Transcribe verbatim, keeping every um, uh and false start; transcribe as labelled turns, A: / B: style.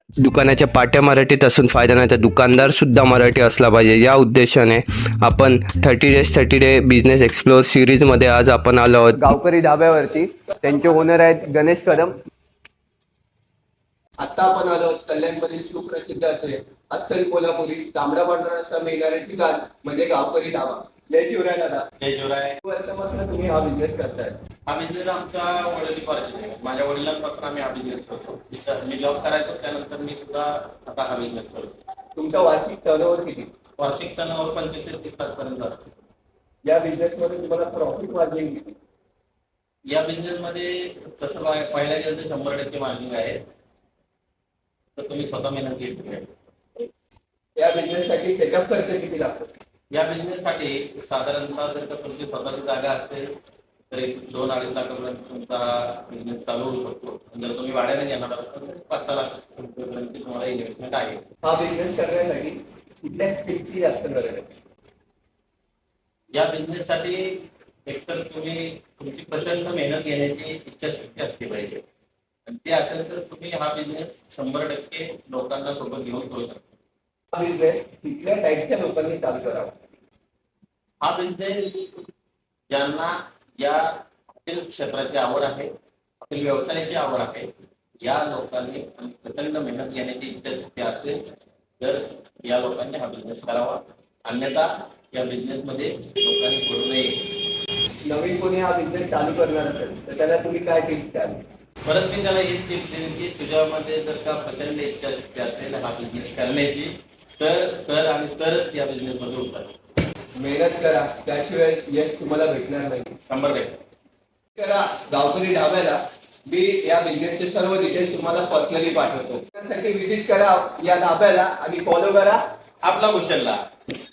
A: दुकानाच्या पाट्या मराठीत असून फायदा नाही, तर दुकानदार सुद्धा मराठी असला पाहिजे. या उद्देशाने आपण thirty days thirty day business explore सिरीजमध्ये आज आपण आलो आहोत गावकरी ढाब्यावरती. त्यांचे ओनर आहेत गणेश कदम. आता आपण आलो कल्याणमधील सुप्रसिद्ध असे अस्सल कोल्हापुरी तांबडा पांढरा रस्सा मिळणारे ठिकाण म्हणजे गावकरी ढाबा. जय शिवराय दादा.
B: जय शिवराय.
A: वर्षापासून तुम्ही हा बिझनेस करताय?
B: हा बिझनेस आमचा वडिलोपार्जित आहे. माझ्या वडिलांपासून आम्ही हा बिझनेस करतो. मी जॉब करायचो त्यानंतर मी सुद्धा आता हा बिझनेस करतो.
A: तुमचा वार्षिक टर्नओव्हर किती?
B: वार्षिक टर्नओव्हर पंचवीस ते तीस लाख पर्यंत असतो.
A: या बिझनेस मध्ये तुम्हाला प्रॉफिट मार्जिन किती?
B: या बिझनेस मध्ये तसं पाह- पहिल्या गेलं शंभर टक्के मार्जिन आहे, तर तुम्ही स्वतः मेहनत घेतली आहे.
A: या बिझनेस साठी सेटअप खर्च किती लागतो?
B: या बिझनेस साठी साधारणतः जर का तुमची स्वतःची जागा असेल तर एक दोन अडीच लाखापर्यंत तुमचा बिझनेस चालू होऊ शकतो. जर तुम्ही भाड्याने घेणार आहात तर पाच सहा लाख रुपयेपर्यंत तुम्हाला इन्व्हेस्टमेंट आहे.
A: हा बिझनेस करण्यासाठी कुठल्या स्किलची जास्त गरज आहे?
B: या बिझनेस साठी एकतर तुम्ही तुमची प्रचंड मेहनत घेण्याची इच्छाशक्ती असली पाहिजे, आणि ते असेल तर तुम्ही हा बिझनेस शंभर टक्के लोकांना सोबत घेऊन करू शकता.
A: हा बिझनेस कुठल्या टाईपच्या लोकांनी चालू करावा?
B: हा बिझनेस ज्यांना या हॉटेल क्षेत्राची आवड आहे, हॉटेल व्यवसायाची आवड आहे, या लोकांनी प्रचंड मेहनत घेण्याची इच्छाशक्ती असेल तर या लोकांनी हा बिझनेस करावा. अन्यथा या बिझनेस मध्ये लोकांनी पडू नये.
A: नवीन कोणी हा बिझनेस चालू करणार असेल तर त्याला तुम्ही काय टिप्स द्याल?
B: परत मी त्याला एक टिप्स देईन की तुझ्यामध्ये जर का प्रचंड इच्छाशक्ती असेल हा बिझनेस करण्याची तर तर आणि तरच या बिझनेस मध्ये उतर.
A: मेहनत करा, त्याशिवाय यश तुम्हाला भेटणार नाही.
B: शंभर टक्के
A: करा गावकरी ढाब्याला. मी या बिझनेसचे सर्व डिटेल्स तुम्हाला पर्सनली पाठवतो. त्यासाठी व्हिजिट करा या ढाब्याला आणि फॉलो करा
B: आपला कुशलला.